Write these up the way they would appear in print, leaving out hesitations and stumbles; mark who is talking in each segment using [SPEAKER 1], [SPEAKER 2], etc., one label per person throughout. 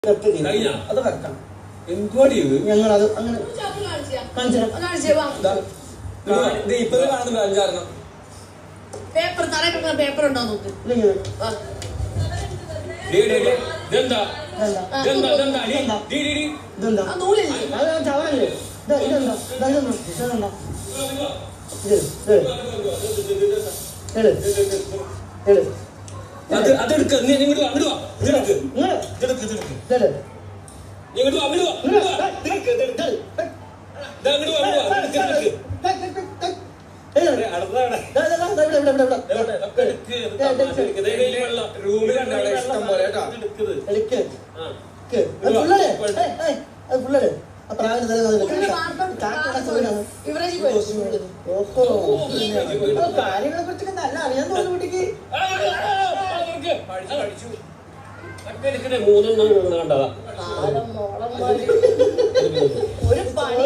[SPEAKER 1] അത് വെക്കണം. എന്തുവാടി ഇത്? ഞങ്ങൾ അത് അങ്ങനെ ഇപ്പൊ കാണുന്നുണ്ട് അഞ്ചാറെണ്ണം.
[SPEAKER 2] പേപ്പർ തറ പേപ്പർ ഉണ്ടോ നോക്ക്.
[SPEAKER 1] അതെടുക്ക. നിങ്ങോട്ട് അങ്ങോട്ട് വാ. ഇതെടുക്ക്. ഇങ്ങോട്ട് വാ. അങ്ങോട്ട്
[SPEAKER 3] കാര്യങ്ങളെ കുറിച്ചൊക്കെ നല്ല അറിയാൻ തോന്നുന്നു കുട്ടിക്ക്.
[SPEAKER 2] ഒരു പണി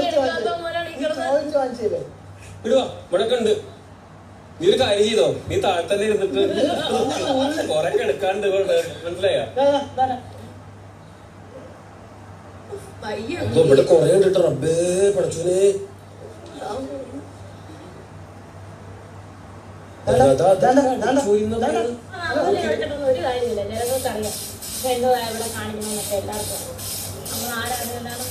[SPEAKER 1] ഇവിടൊക്കെണ്ട്. നീ ഒരു കാര്യം ചെയ്തോ, നീ താഴെ തന്നെ ഇരുന്നിട്ട് കൊറേ കിടക്കാണ്ട് മനസ്സിലായ. ഇവിടെ കൊറേ കണ്ടിട്ട് റബ്ബേ പഠിച്ചോനെ.
[SPEAKER 2] ഒരു കാര്യമില്ല, ജനങ്ങൾക്കറിയാം ഇവിടെ കാണിക്കണമെന്നൊക്കെ എല്ലാവർക്കും. നമ്മൾ ആരാധന